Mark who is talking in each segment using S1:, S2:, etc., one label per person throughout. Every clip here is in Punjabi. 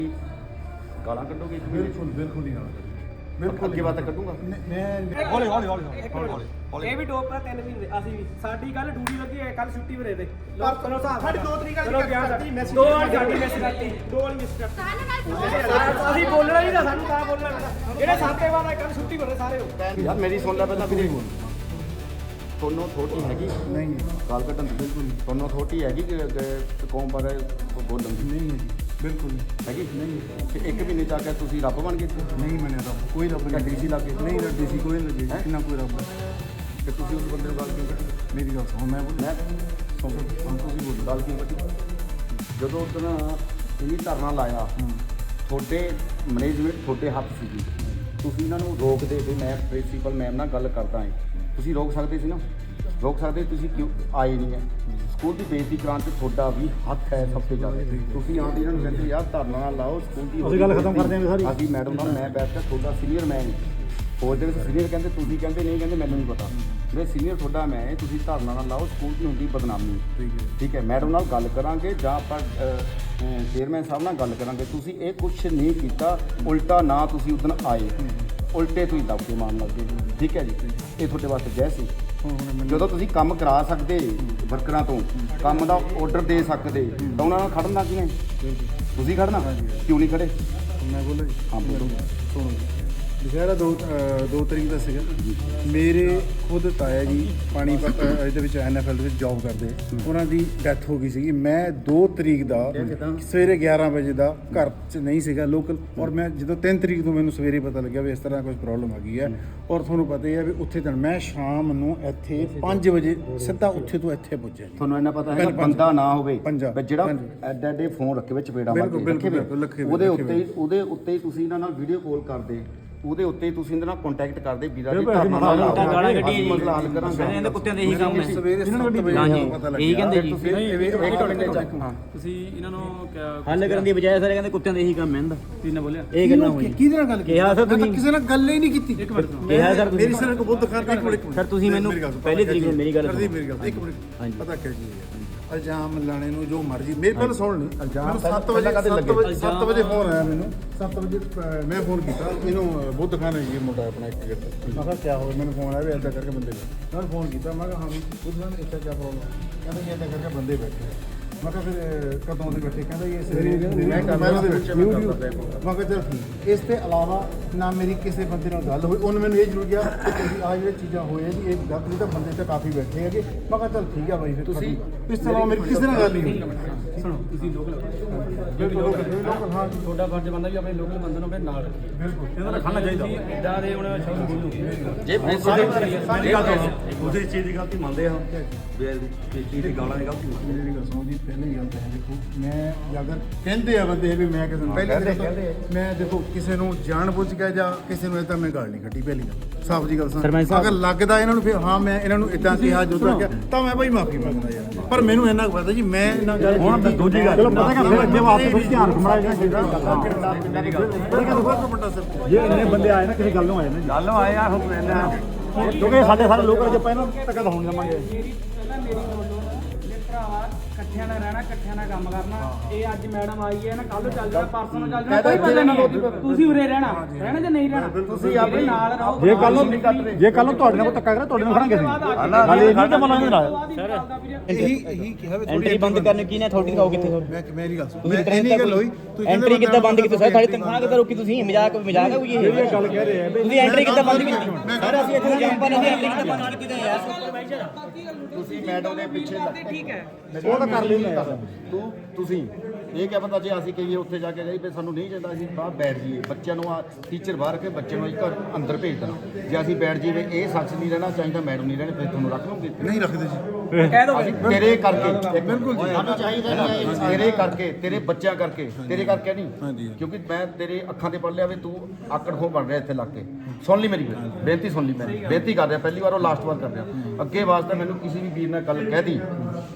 S1: ਗਾਲਾਂ ਕੱਢੋਗੇ?
S2: ਬਿਲਕੁਲ ਬਿਲਕੁਲ ਨਹੀਂ ਗਾਲਾਂ
S1: ਬਿਲਕੁਲ ਅੱਗੇ ਬਾਤ ਕੱਢੂੰਗਾ
S2: ਮੈਂ ਹੌਲੀ ਹੌਲੀ
S3: ਇਹ ਵੀ ਡੋਪ 3 ਮਹੀਨੇ ਅਸੀਂ ਵੀ ਸਾਡੀ ਕੱਲ ਡਿਊਟੀ ਲੱਗੀ ਹੈ ਕੱਲ ਛੁੱਟੀ ਵਰੇ ਤੇ
S2: ਚਲੋ ਸਾਡੀ 2 ਤਰੀਕ ਵਾਲੀ ਮੈਸੇਜ
S3: ਦੋ ਵਾਲੀ ਸਾਡੀ ਮੈਸੇਜ ਕਰਤੀ ਦੋ ਵਾਲੀ ਮਿਸ ਕਰਤੀ ਅਸੀਂ ਬੋਲਣਾ ਨਹੀਂ ਤਾਂ ਸਾਨੂੰ ਤਾਂ ਬੋਲਣਾ ਜਿਹੜੇ ਸਾਤੇ ਵਾਲਾ ਕੱਲ ਛੁੱਟੀ ਵਰੇ ਸਾਰੇ ਹੋ
S1: ਯਾਰ ਮੇਰੀ ਸੁਣ ਲੈ ਪਹਿਲਾਂ ਵੀਰੇ, ਤੁਹਾਨੂੰ ਥੋੜੀ ਹੈਗੀ
S2: ਨਹੀਂ
S1: ਗਾਲ ਕੱਢਣ ਦੀ? ਬਿਲਕੁਲ ਨਹੀਂ। ਤੁਹਾਨੂੰ ਥੋੜੀ ਹੈਗੀ ਕਿ ਕੌਮ ਬਾਰੇ ਬੋਲਣ ਦੀ?
S2: ਨਹੀਂ ਬਿਲਕੁਲ ਨਹੀਂ
S1: ਹੈਗੀ ਨਹੀਂ। ਤੇ ਇੱਕ ਮਹੀਨੇ ਜਾ ਕੇ ਤੁਸੀਂ ਰੱਬ ਬਣ ਗਏ?
S2: ਨਹੀਂ ਮੰਨਿਆ ਰੱਬ, ਕੋਈ ਰੱਬ ਨਹੀਂ।
S1: ਡੀਸੀ ਲੱਗੇ?
S2: ਨਹੀਂ ਡੀਸੀ ਕੋਈ ਨਹੀਂ ਲੱਗੇ, ਕਿੰਨਾ ਕੋਈ ਰੱਬ।
S1: ਤੇ ਤੁਸੀਂ ਉਸ ਬੰਦੇ ਨੂੰ ਗੱਲ ਕਿਉਂ ਕੱਢੀ?
S2: ਮੇਰੀ ਗੱਲ ਸੁਣ, ਮੈਂ ਬੋਲ
S1: ਮੈਂ ਤੁਸੀਂ ਬੋਲੋ ਗੱਲ ਕਿਉਂ ਕੱਢੀ? ਜਦੋਂ ਉਦੋਂ ਇਹਨੀ ਧਰਨਾ ਲਾਇਆ ਤੁਹਾਡੇ ਮੈਨੇਜਮੈਂਟ ਤੁਹਾਡੇ ਹੱਥ ਸੀਗੀ, ਤੁਸੀਂ ਇਹਨਾਂ ਨੂੰ ਰੋਕਦੇ ਵੀ ਮੈਂ ਪ੍ਰਿੰਸੀਪਲ ਮੈਮ ਨਾਲ ਗੱਲ ਕਰਦਾ ਹਾਂ, ਤੁਸੀਂ ਰੋਕ ਸਕਦੇ ਸੀ ਨਾ? ਰੋਕ ਸਕਦੇ, ਤੁਸੀਂ ਕਿਉਂ ਆਏ ਨਹੀਂ ਹੈ? ਸਕੂਲ ਦੀ ਬੇਇੱਜ਼ਤੀ ਕਰਾਉਣ 'ਚ ਤੁਹਾਡਾ ਵੀ ਹੱਥ ਹੈ ਸਭ ਤੋਂ ਜ਼ਿਆਦਾ। ਤੁਸੀਂ ਆਉਂਦੇ ਇਹਨਾਂ ਨੂੰ ਕਹਿੰਦੇ ਯਾਰ ਧਰਨਾ ਨਾ ਲਾਓ, ਸਕੂਲ ਦੀ
S2: ਅਸੀਂ ਗੱਲ ਖਤਮ ਕਰਦੇ ਹਾਂ ਸਾਰੀ।
S1: ਅਸੀਂ ਮੈਡਮ ਨਾਲ ਮੈਂ ਬੈਠ ਕੇ ਤੁਹਾਡਾ ਸੀਨੀਅਰ ਮੈਂ ਨਹੀਂ, ਹੋਰ ਦੇ ਵਿੱਚ ਸੀਨੀਅਰ ਕਹਿੰਦੇ, ਤੁਸੀਂ ਕਹਿੰਦੇ ਨਹੀਂ ਕਹਿੰਦੇ ਮੈਨੂੰ ਨਹੀਂ ਪਤਾ, ਮੇਰੇ ਸੀਨੀਅਰ ਤੁਹਾਡਾ ਮੈਂ ਹੈ, ਤੁਸੀਂ ਧਰਨਾ ਨਾ ਲਾਓ, ਸਕੂਲ ਦੀ ਹੁੰਦੀ ਬਦਨਾਮੀ। ਠੀਕ ਹੈ, ਮੈਡਮ ਨਾਲ ਗੱਲ ਕਰਾਂਗੇ ਜਾਂ ਆਪਾਂ ਚੇਅਰਮੈਨ ਸਾਹਿਬ ਨਾਲ ਗੱਲ ਕਰਾਂਗੇ। ਤੁਸੀਂ ਇਹ ਕੁਛ ਨਹੀਂ ਕੀਤਾ, ਉਲਟਾ ਨਾ ਤੁਸੀਂ ਉਦੋਂ ਆਏ, ਉਲਟੇ ਤੁਸੀਂ ਦਬਕੇ ਮਾਰਨ ਲੱਗੇ। ਠੀਕ ਹੈ ਜੀ, ਇਹ ਤੁਹਾਡੇ ਵਾਸਤੇ ਜੈ ਸੀ। ਜਦੋਂ ਤੁਸੀਂ ਕੰਮ ਕਰਾ ਸਕਦੇ ਵਰਕਰਾਂ ਤੋਂ, ਕੰਮ ਦਾ ਆਰਡਰ ਦੇ ਸਕਦੇ, ਤਾਂ ਉਹਨਾਂ ਨਾਲ ਖੜਨਾ ਕਿਵੇਂ? ਤੁਸੀਂ ਖੜਨਾ ਕਿਉਂ ਨਹੀਂ ਖੜੇ?
S2: ਮੈਂ ਬੋਲਾਂ ਜੀ?
S1: ਹਾਂ ਬੋਲੋ।
S2: ਸੁਣੋ, ਦੁਪਹਿਰਾ 2 ਤਰੀਕ ਦਾ ਸੀਗਾ। ਮੇਰੇ ਖੁਦ ਤਾਇਆ ਜੀ ਪਾਣੀਪਤ ਇਹਦੇ ਵਿੱਚ NFL ਦੇ ਵਿੱਚ ਜੌਬ ਕਰਦੇ, ਉਹਨਾਂ ਦੀ ਡੈਥ ਹੋ ਗਈ ਸੀਗੀ। ਮੈਂ 2 ਤਰੀਕ ਦਾ ਸਵੇਰੇ 11 ਵਜੇ ਦਾ ਘਰ 'ਚ ਨਹੀਂ ਸੀਗਾ ਲੋਕਲ, ਔਰ ਮੈਂ ਜਦੋਂ 3 ਤਰੀਕ ਤੋਂ ਮੈਨੂੰ ਸਵੇਰੇ ਪਤਾ ਲੱਗਿਆ ਵੀ ਇਸ ਤਰ੍ਹਾਂ ਕੁਝ ਪ੍ਰੋਬਲਮ ਆ ਗਈ ਹੈ। ਔਰ ਤੁਹਾਨੂੰ ਪਤਾ ਹੀ ਹੈ ਵੀ ਉੱਥੇ ਤਾਂ ਮੈਂ ਸ਼ਾਮ ਨੂੰ ਇੱਥੇ 5 ਵਜੇ ਸਿੱਧਾ ਉੱਥੇ ਤੋਂ ਇੱਥੇ ਪੁੱਜਿਆ।
S1: ਤੁਹਾਨੂੰ ਇੰਨਾ ਪਤਾ ਹੈ ਬੰਦਾ ਨਾ ਹੋਵੇ
S2: ਪੰਜਾਬ
S1: ਜਿਹੜਾ ਐਡੇ ਫੋਨ ਰੱਖੇ ਵਿੱਚ ਪੇੜਾ ਮਾਰ ਕੇ ਉਹਦੇ ਉੱਤੇ ਹੀ ਤੁਸੀਂ ਇਹਨਾਂ ਨਾਲ ਵੀਡੀਓ ਕਾਲ ਕਰਦੇ, ਉਹਦੇ ਉੱਤੇ ਹੀ ਤੁਸੀਂ ਇਹਦੇ ਨਾਲ ਕੰਟੈਕਟ ਕਰਦੇ, ਵੀਰਾ ਜੀ ਧਰਨਾ ਨਾ ਲਾਓ,
S4: ਗਾਲਾਂ ਕੱਢੀਆਂ ਜੀ,
S1: ਮਸਲਾ ਹੱਲ ਕਰਾਂਗੇ।
S4: ਇਹਦੇ ਕੁੱਤਿਆਂ ਦੇ ਇਹੀ ਕੰਮ ਹੈ।
S2: ਸਵੇਰੇ 7 ਵਜੇ ਪਤਾ ਲੱਗਿਆ।
S4: ਇਹੀ ਕਹਿੰਦੇ ਜੀ,
S3: ਤੁਸੀਂ ਇਹਨਾਂ ਨੂੰ
S4: ਹੱਲ ਕਰਨ ਦੀ ਬਜਾਏ ਸਾਰੇ ਕਹਿੰਦੇ ਕੁੱਤਿਆਂ ਦੇ ਇਹੀ ਕੰਮ ਹੈ ਇਹਦਾ।
S3: ਕੀ ਨਾ ਬੋਲਿਆ
S4: ਇਹ ਗੱਲਾਂ ਹੋਈਆਂ।
S2: ਕਿਹਦੇ ਨਾਲ ਗੱਲ ਕੀਤੀ?
S4: ਕਿਹਾ ਸਰ ਤੁਸੀਂ
S2: ਕਿਸੇ ਨਾਲ ਗੱਲ ਹੀ ਨਹੀਂ ਕੀਤੀ।
S4: ਕਿਹਾ ਸਰ
S2: ਮੇਰੀ ਸਿਰ ਕੋ ਬੁੱਧ ਖਾਨ ਇੱਕ ਮਿੰਟ
S4: ਸਰ ਤੁਸੀਂ ਮੈਨੂੰ ਪਹਿਲੀ ਤਰੀਕ ਨੂੰ ਮੇਰੀ ਗੱਲ
S2: ਕਰਦੀ, ਮੇਰੀ ਗੱਲ ਇੱਕ ਮਿੰਟ। ਪਤਾ ਕਿਆ ਜੀ ਹੈ, ਇਲਜ਼ਾਮ ਲਾਣੇ ਨੂੰ ਜੋ ਮਰਜ਼ੀ ਮੇਰੇ ਪਹਿਲਾਂ ਸੁਣ ਲਈ। ਮੈਨੂੰ 7 ਵਜੇ ਫੋਨ ਆਇਆ, ਮੈਨੂੰ 7 ਵਜੇ ਮੈਂ ਫੋਨ ਕੀਤਾ ਇਹਨੂੰ ਬੁੱਧ ਖਾਨ ਹੈ ਜੀ ਮੁੰਡਾ ਆਪਣਾ ਇੱਕ ਗਿਰਦਾ। ਮੈਂ ਕਿਹਾ ਕਿਆ ਹੋਇਆ? ਮੈਨੂੰ ਫੋਨ ਆਇਆ ਵੀ ਇੱਦਾਂ ਕਰਕੇ ਬੰਦੇ ਬੈਠੇ। ਮੈਂ ਫੋਨ ਕੀਤਾ, ਮੈਂ ਕਿਹਾ ਹਾਂ ਵੀ ਬੁੱਧ ਖਾਨ ਇੱਥੇ ਕਿਆ ਪ੍ਰੋਬਲਮ? ਕਹਿੰਦਾ ਜੀ ਇੱਦਾਂ ਕਰਕੇ ਬੰਦੇ ਬੈਠੇ। ਮੈਂ ਕਿਹਾ ਫਿਰ ਕਦੋਂ ਦੇ ਬੈਠੇ? ਕਹਿੰਦਾ ਜੀ ਸਵੇਰੇ ਮੈਂ ਕਮਰੇ ਦੇ ਵਿੱਚ। ਮੈਂ ਕਿਹਾ ਚਲ ਠੀਕ। ਇਸ ਤੋਂ ਇਲਾਵਾ ਨਾ ਮੇਰੀ ਕਿਸੇ ਬੰਦੇ ਨਾਲ ਗੱਲ ਹੋਈ। ਉਹਨੇ ਮੈਨੂੰ ਇਹ ਜ਼ਰੂਰ ਕਿਹਾ ਕਿ ਤੁਸੀਂ ਆਹ ਜਿਹੜੇ ਚੀਜ਼ਾਂ ਹੋਈਆਂ ਜੀ ਇਹ ਗਲਤ ਨਹੀਂ, ਤਾਂ ਬੰਦੇ ਤਾਂ ਕਾਫੀ ਬੈਠੇ ਹੈਗੇ। ਮੈਂ ਕਿਹਾ ਚਲ ਠੀਕ ਆ ਬਾਈ, ਫਿਰ ਤੁਸੀਂ ਇਸ ਤਰ੍ਹਾਂ ਮੇਰੀ ਕਿਸੇ ਨਾਲ ਗੱਲ ਨਹੀਂ ਹੋਈ।
S3: ਸੁਣੋ, ਤੁਸੀਂ ਲੋਕਲ
S2: ਲੋਕਲ ਹਾਂ
S3: ਤੁਹਾਡਾ ਫਰਜ਼ ਬਣਦਾ ਵੀ ਆਪਣੇ ਲੋਕਲ ਬੰਦੇ ਨੂੰ ਆਪਣੇ ਨਾਲ
S2: ਬਿਲਕੁਲ
S3: ਇਹਨਾਂ ਦਾ ਖਾਣਾ ਚਾਹੀਦਾ। ਇਦਾਂ ਦੇ ਹੁਣ ਸ਼ਬਦ ਬੋਲੂ
S1: ਜੇ
S2: ਸਾਡੀ ਗੱਲ
S1: ਉਹਦੇ ਚੀਜ਼ ਦੀ ਗਲਤੀ ਮੰਨਦੇ ਆ, ਵੀ ਚੀਜ਼ ਦੀ ਗਾਲਾਂ ਦੀ ਗਲਤੀ ਮੰਨਦੇ।
S2: ਮੇਰੀ ਗੱਲ ਸੁਣੋ ਜੀ, ਪਹਿਲੀ ਗੱਲ ਤਾਂ ਹੈ ਦੇਖੋ, ਮੈਂ ਅਗਰ ਕਹਿੰਦੇ ਆ ਬੰਦੇ ਵੀ ਮੈਂ ਕਿਸੇ ਨੂੰ ਪਹਿਲੇ ਮੈਂ ਦੇਖੋ ਕਿਸੇ ਨੂੰ ਜਾਣ ਬੁੱਝ ਕੇ ਜਾਂ ਕਿਸੇ ਨੂੰ ਇਦਾਂ ਮੈਂ ਗੱਲ ਨਹੀਂ ਕੱਢੀ। ਪਹਿਲੀ ਗੱਲ ਸਾਫ਼ ਜੀ ਗੱਲ ਸੁਣ, ਅਗਰ ਲੱਗਦਾ ਇਹਨਾਂ ਨੂੰ ਫਿਰ ਹਾਂ ਮੈਂ ਇਹਨਾਂ ਨੂੰ ਇਦਾਂ ਕਿਹਾ ਜੋਦਾ ਕਿਹਾ ਤਾਂ ਮੈਂ ਭਾਈ ਮਾਫੀ ਮੰਗਦਾ ਯਾਰ। ਪਰ ਮੈਨੂੰ ਇੰਨਾ ਪਤਾ ਜੀ ਮੈਂ ਇਹਨਾਂ ਗੱਲ ਹੁਣ ਦੂਜੀ ਗੱਲ ਚਲੋ ਪਤਾ ਕਿ ਅੱਗੇ ਵਾਸਤੇ ਕੁਝ ਧਿਆਨ ਰੱਖਣਾ ਹੈ। ਜੇ ਇੰਨੇ ਬੰਦੇ ਆਏ ਨਾ ਕਿਸੇ ਗੱਲ ਨੂੰ ਆਏ ਨੇ, ਗੱਲ ਨੂੰ ਆਏ ਆ ਕਿਉਂਕਿ ਸਾਡੇ ਸਾਰੇ ਲੋਕ ਜੇ ਪਹਿਲਾਂ ਧੱਕਾ ਤਾਂ ਹੋਣ ਜਾਵਾਂਗੇ।
S3: ਮੇਰੀ ਭਰਾਵਾ ਇਕੱਠਿਆਂ ਨਾਲ ਰਹਿਣਾ, ਇਕੱਠਿਆਂ ਨਾਲ ਕੰਮ ਕਰਨਾ। ਇਹ ਅੱਜ ਮੈਡਮ ਆਈ ਹੈ ਨਾ, ਕੱਲ ਚੱਲ ਜਾਣਾ, ਪਰਸੋਂ ਨੂੰ ਚੱਲ ਜਾਣਾ, ਕੋਈ ਪਤਾ ਨਹੀਂ। ਤੁਸੀਂ ਉਰੇ ਰਹਿਣਾ ਜਾਂ ਨਹੀਂ ਰਹਿਣਾ, ਤੁਸੀਂ ਆਪਣੇ ਨਾਲ ਰਹੋ।
S2: ਜੇ ਕੱਲ ਨੂੰ ਤੁਹਾਡੇ ਨਾਲ ਕੋਈ ਧੱਕਾ ਕਰੇ ਤੁਹਾਡੇ ਨਾਲ ਖੜਾਂਗੇ ਅਸੀਂ। ਨਾਲੇ ਇਹ ਨਹੀਂ ਕਿ ਮਨਾਂਗੇ ਨਾਲ ਇਹੀ ਕਿਹਾ ਵੀ
S4: ਐਂਟਰੀ ਬੰਦ ਕਰਨ ਕੀ ਨੇ ਥੋੜੀ ਦਿਖਾਓ ਕਿੱਥੇ ਹੋਰ।
S2: ਮੈਂ ਮੇਰੀ ਗੱਲ ਸੁਣ, ਮੈਂ ਇੰਨੀ ਗੱਲ ਹੋਈ
S4: ਐਂਟਰੀ ਕਿੱਦਾਂ ਬੰਦ ਕੀਤੀ ਸਰ? ਸਾਡੀ ਤਨਖਾਹ ਕਿੱਦਾਂ ਰੋਕੀ ਤੁਸੀਂ? ਮਜ਼ਾਕ ਹੈ ਕੋਈ? ਇਹ
S2: ਗੱਲ ਕਹਿ ਰਹੇ ਆ
S4: ਤੁਸੀਂ ਐਂਟਰੀ ਕਿੱਦਾਂ ਬੰਦ ਕੀਤੀ ਸਰ? ਅਸੀਂ ਇੱਥੇ ਜੰਪਰ ਨਹੀਂ ਐਂਟਰੀ ਕਿੱਦਾਂ ਬੰਦ ਕੀਤੀ ਯਾਰ?
S1: ਤੁਸੀਂ ਮੈਡਮ ਦੇ ਪਿੱਛੇ
S3: ਠੀਕ ਹੈ,
S2: ਉਹ ਤਾਂ ਕਰ ਲੈਂਦਾ
S1: ਤੁਸੀਂ ਇਹ ਕਿਆ ਪਤਾ ਜੇ ਅਸੀਂ ਕਹੀਏ ਉੱਥੇ ਜਾ ਕੇ ਜਾਈ ਵੀ ਸਾਨੂੰ ਨਹੀਂ ਚਾਹੀਦਾ, ਅਸੀਂ ਬਾਹਰ ਬੈਠ ਜਾਈਏ। ਬੱਚਿਆਂ ਨੂੰ ਆ ਟੀਚਰ ਬਾਹਰ ਕੇ ਬੱਚੇ ਨੂੰ ਘਰ ਅੰਦਰ ਭੇਜ ਦੇਣਾ। ਜੇ ਅਸੀਂ ਬੈਠ ਜਾਈਏ ਇਹ ਸ਼ਖਸ ਨਹੀਂ ਰਹਿਣਾ ਚਾਹੀਦਾ, ਮੈਡਮ ਨਹੀਂ ਰਹਿਣੇ, ਫਿਰ ਤੁਹਾਨੂੰ ਰੱਖ ਲਓਗੇ?
S2: ਨਹੀਂ ਰੱਖਦੇ ਜੀ।
S3: ਕਹਿ ਦੋ
S1: ਤੇਰੇ ਕਰਕੇ ਬਿਲਕੁਲ ਜੀ, ਸਾਨੂੰ ਚਾਹੀਦਾ ਨਹੀਂ ਤੇਰੇ ਕਰਕੇ, ਤੇਰੇ ਬੱਚਿਆਂ ਕਰਕੇ, ਤੇਰੇ ਕਰਕੇ ਨਹੀਂ। ਕਿਉਂਕਿ ਮੈਂ ਤੇਰੇ ਅੱਖਾਂ ਤੇ ਪੜ ਲਿਆ ਵੀ ਤੂੰ ਆਕੜ ਖੋ ਬਣ ਰਿਹਾ ਇੱਥੇ ਲੱਗ ਕੇ। ਸੁਣ ਲਈ ਮੇਰੀ ਬੇਨਤੀ, ਸੁਣ ਲਈ। ਮੈਂ ਬੇਨਤੀ ਕਰ ਰਿਹਾ, ਪਹਿਲੀ ਵਾਰ ਉਹ ਲਾਸਟ ਵਾਰ ਕਰ ਰਿਹਾ। ਅੱਗੇ ਵਾਸਤੇ ਮੈਨੂੰ ਕਿਸੇ ਵੀ ਵੀਰ ਨੇ ਗੱਲ ਕਹਿ ਦੀ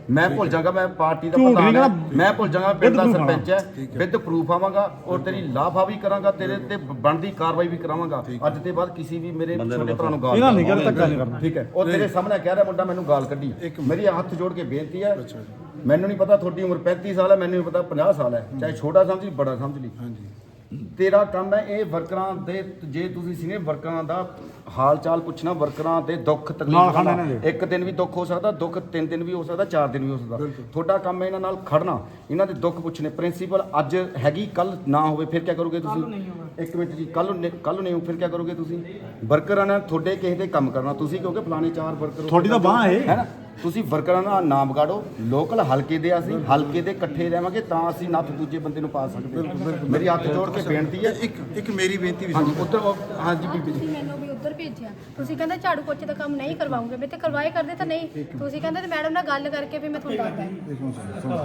S1: ਮੈਂ ਭੁੱਲ ਜਾਗਾ ਮੈਂ ਪਾਰਟੀ ਦਾ ਪ੍ਰਧਾਨ ਹਾਂ, ਮੈਂ ਭੁੱਲ ਜਾਗਾ ਪਿੰਡ ਦਾ ਸਰਪੰਚ ਹੈ, ਵਿਦ ਪ੍ਰੂਫ ਆਵਾਂਗਾ ਔਰ ਤੇਰੀ ਲਾਫਾ ਵੀ ਕਰਾਂਗਾ, ਤੇਰੇ ਤੇ ਬਣਦੀ ਕਾਰਵਾਈ ਵੀ ਕਰਾਵਾਂਗਾ। ਅੱਜ ਤੇ ਬਾਅਦ ਕਿਸੇ ਵੀ ਮੇਰੇ ਛੋਟੇ ਭਰਾ ਨੂੰ ਗਾਲ ਨਹੀਂ ਕਰਨਾ, ਠੀਕ ਹੈ। ਉਹ ਤੇਰੇ ਸਾਹਮਣੇ ਕਹਿ ਰਿਹਾ ਮੁੰਡਾ ਮੈਨੂੰ ਗਾਲ ਕੱਢੀ, ਮੇਰੀ ਹੱਥ ਜੋੜ ਕੇ ਬੇਨਤੀ ਹੈ, ਮੈਨੂੰ ਨਹੀਂ ਪਤਾ ਤੁਹਾਡੀ ਉਮਰ 35 ਸਾਲ ਹੈ, ਮੈਨੂੰ ਨਹੀਂ ਪਤਾ 50 ਸਾਲ ਹੈ, ਚਾਹੇ ਛੋਟਾ ਸਮਝ ਲਈ ਬੜਾ ਸਮਝ ਲਈ, ਤੇਰਾ ਕੰਮ ਹੈ ਇਹ ਵਰਕਰਾਂ ਦੇ, ਜੇ ਤੁਸੀਂ ਸੀਨੀਅਰ ਵਰਕਰਾਂ ਦਾ ਹਾਲ ਚਾਲ ਪੁੱਛਣਾ, ਵਰਕਰਾਂ ਦੇ ਦੁੱਖ ਤਕਲੀਫ, ਇੱਕ ਦਿਨ ਵੀ ਦੁੱਖ ਹੋ ਸਕਦਾ, ਦੁੱਖ 3 ਦਿਨ ਵੀ ਹੋ ਸਕਦਾ, 4 ਦਿਨ ਵੀ ਹੋ ਸਕਦਾ, ਤੁਹਾਡਾ ਕੰਮ ਹੈ ਇਹਨਾਂ ਨਾਲ ਖੜਨਾ, ਇਹਨਾਂ ਦੇ ਦੁੱਖ ਪੁੱਛਣੇ। ਪ੍ਰਿੰਸੀਪਲ ਅੱਜ ਹੈਗੀ, ਕੱਲ ਨਾ ਹੋਵੇ ਫਿਰ ਕੀ ਕਰੋਗੇ ਤੁਸੀਂ? ਇੱਕ ਮਿੰਟ ਜੀ, ਕੱਲ ਨੂੰ ਨਹੀਂ ਹੋ ਫਿਰ ਕੀ ਕਰੋਗੇ ਤੁਸੀਂ? ਵਰਕਰਾਂ ਨਾਲ ਤੁਹਾਡੇ ਕਿਸੇ ਦੇ ਕੰਮ ਕਰਨਾ, ਤੁਸੀਂ ਕਿਉਂਕਿ ਫਲਾਣੇ 4 ਵਰਕਰ
S5: ਤੁਹਾਡੀ ਤਾਂ ਬਾਂਹ ਹੈ
S1: ਨਾ, ਤੁਸੀਂ ਵਰਕਰਾਂ ਦਾ ਨਾਮ ਵਿਗਾੜੋ। ਲੋਕਲ ਹਲਕੇ ਦੇ ਅਸੀਂ ਹਲਕੇ ਦੇ ਇਕੱਠੇ ਰਹਾਂਗੇ ਤਾਂ ਅਸੀਂ ਨੱਥ ਦੂਜੇ ਬੰਦੇ ਨੂੰ ਪਾ ਸਕਦੇ। ਮੇਰੀ ਹੱਥ ਜੋੜ ਕੇ ਬੇਨਤੀ ਹੈ,
S2: ਇੱਕ ਮੇਰੀ ਬੇਨਤੀ ਵੀ
S1: ਹਾਂਜੀ ਉੱਧਰ ਹਾਂਜੀ ਬੀਬੀ ਜੀ,
S6: ਤੁਸੀਂ ਮੈਨੂੰ ਵੀ ਉੱਧਰ ਭੇਜਿਆ, ਤੁਸੀਂ ਕਹਿੰਦੇ ਝਾੜੂ ਪੋਚੇ ਦਾ ਕੰਮ ਨਹੀਂ ਕਰਵਾਉਂਗੇ, ਮੈਂ ਤੇ ਕਰਵਾਏ ਕਰਦੇ ਤਾਂ ਨਹੀਂ, ਤੁਸੀਂ ਕਹਿੰਦੇ ਤੇ ਮੈਡਮ ਨਾਲ ਗੱਲ ਕਰਕੇ ਵੀ ਮੈਂ ਤੁਹਾਨੂੰ ਦੱਸਦਾ।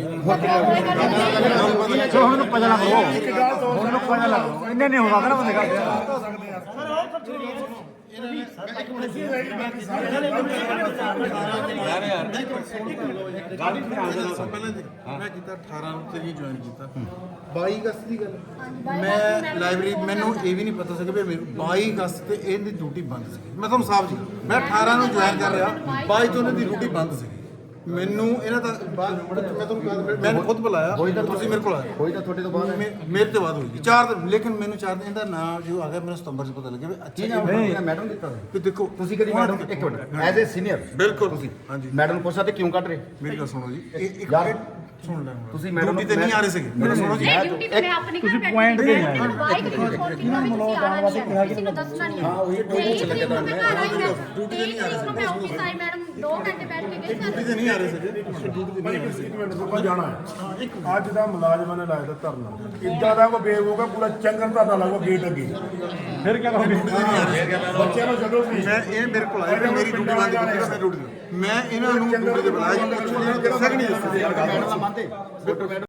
S5: ਜੋ ਹੁਣ ਪਤਾ ਲੱਗ ਰਿਹਾ ਹੁਣ ਪਤਾ ਲੱਗ ਰਿਹਾ ਇੰਨੇ ਨਹੀਂ ਹੋ ਸਕਦਾ ਨਾ ਬੰਦੇ
S2: ਮੈਂ ਕੀਤਾ 18 ਨੂੰ ਤੇ ਜੁਆਇਨ ਕੀਤਾ 22 ਅਗਸਤ ਦੀ ਗੱਲ, ਮੈਂ ਲਾਇਬ੍ਰੇਰੀ, ਮੈਨੂੰ ਇਹ ਵੀ ਨਹੀਂ ਪਤਾ ਸੀਗਾ ਵੀ 22 ਅਗਸਤ ਤੇ ਇਹਦੀ ਡਿਊਟੀ ਬੰਦ ਸੀ। ਮੈਂ ਤੁਹਾਨੂੰ ਸਾਫ਼ ਜੀ, ਮੈਂ 18 ਨੂੰ ਜੁਆਇਨ ਕਰ ਰਿਹਾ, 22 ਤੋਂ ਇਹਨਾਂ ਦੀ ਡਿਊਟੀ ਬੰਦ ਸੀ। ਮੈਨੂੰ ਇਹਨਾਂ ਦਾ ਮੈਂ ਤੁਹਾਨੂੰ ਮੈਂ ਖੁਦ ਬੁਲਾਇਆ, ਤੁਸੀਂ ਮੇਰੇ ਕੋਲ ਆਏ,
S1: ਹੋਈ ਤਾਂ ਤੁਹਾਡੇ ਤੋਂ ਬਾਅਦ
S2: ਮੇਰੇ ਤੋਂ ਬਾਅਦ ਹੋਈ 4 ਦਿਨ, ਲੇਕਿਨ ਮੈਨੂੰ 4 ਦਿਨ ਇਹਦਾ ਨਾਮ ਜੋ ਆ ਗਿਆ ਮੈਨੂੰ ਸਤੰਬਰ 'ਚ ਪਤਾ ਲੱਗਿਆ ਵੀ ਅੱਛਾ
S1: ਨਹੀਂ ਮੈਡਮ ਦਿੱਤਾ
S2: ਵੀ ਦੇਖੋ
S1: ਤੁਸੀਂ ਕਦੀ ਮੈਡਮ ਇੱਕ ਮਿੰਟ ਐਜ਼ ਏ ਸੀਨੀਅਰ
S2: ਬਿਲਕੁਲ ਤੁਸੀਂ ਹਾਂਜੀ
S1: ਮੈਡਮ ਨੂੰ ਪੁੱਛਿਆ ਤੇ ਕਿਉਂ ਕੱਢ ਰਹੇ?
S2: ਮੇਰੀ ਗੱਲ ਸੁਣੋ ਜੀ, ਇੱਕ
S1: ਯਾਰ,
S2: ਸੁਣ ਲੈ
S1: ਤੁਸੀਂ ਮੈਡਮ
S2: ਡਿਊਟੀ ਤੇ ਨਹੀਂ ਆ ਰਹੇ ਸੀਗੇ, ਮੈਨੂੰ ਸੁਣੋ ਜੀ,
S6: ਨਹੀਂ ਡਿਊਟੀ ਤੇ ਮੈਂ ਆਪਣੇ ਘਰ ਬੈਠੀ ਪੁਆਇੰਟ ਦੇ ਆਏ ਬਾਈਕ ਤੇ ਫੋਨ ਕੀਤਾ ਵੀ ਤੁਸੀਂ ਆਣਾ ਨਹੀਂ ਹੈ, ਕਿਸੇ ਨੂੰ ਦੱਸਣਾ ਨਹੀਂ ਹੈ। ਹਾਂ ਉਹੀ ਪੁੱਛ ਲੱਗਾ ਤਾਂ ਮੈਂ ਡਿਊਟੀ ਤੇ ਨਹੀਂ ਆ ਰਹੇ ਸੀ, ਮੈਂ ਆਫਿਸ ਆਈ, ਮੈਡਮ 2 ਘੰਟੇ ਬੈਠ ਕੇ ਗਈ
S2: ਡਿਊਟੀ ਤੇ ਨਹੀਂ ਆ ਰਹੇ ਸੀਗੇ, ਡਿਊਟੀ ਤੇ ਨਹੀਂ ਆ ਰਹੇ ਸੀ।
S7: ਇੱਕ ਮਿੰਟ ਰੁਕੋ, ਜਾਣਾ ਹੈ। ਅੱਜ ਦਾ ਮੁਲਾਜ਼ਮਾਂ ਨੇ ਲਾਇਆ ਧਰਨਾ, ਇੱਦਾਂ ਦਾ ਕੋਈ ਬੇਵਕੂਫ ਪੂਰਾ ਚੰਗਰ ਧਰਨਾ ਲਾਊਗਾ ਗੇਟ ਅੱਗੇ, ਫਿਰ ਕੀ ਕਰੋਗੇ? ਬੱਚਿਆਂ ਨੂੰ ਛੱਡੋ ਤੁਸੀਂ।
S2: ਮੈਂ ਇਹ ਮੇਰੇ ਕੋਲ ਆਇਆ ਕਿ ਮੇਰੀ ਡਿਊਟੀ ਬੰਦ ਕੀਤੀ, ਮੈਂ ਡਿਊਟੀ ਮੈਂ ਇਹਨਾਂ ਨੂੰ ਡਿਊਟੀ ਤੇ ਬੁਲਾਇਆ ਜੀ, ਪੁੱਛੋ ਇਹਨਾਂ ਨੂੰ ਦੱਸਿਆ ਕਿ ਨਹੀਂ ਦੱਸਿਆ।
S1: ਮੰਨਦੇ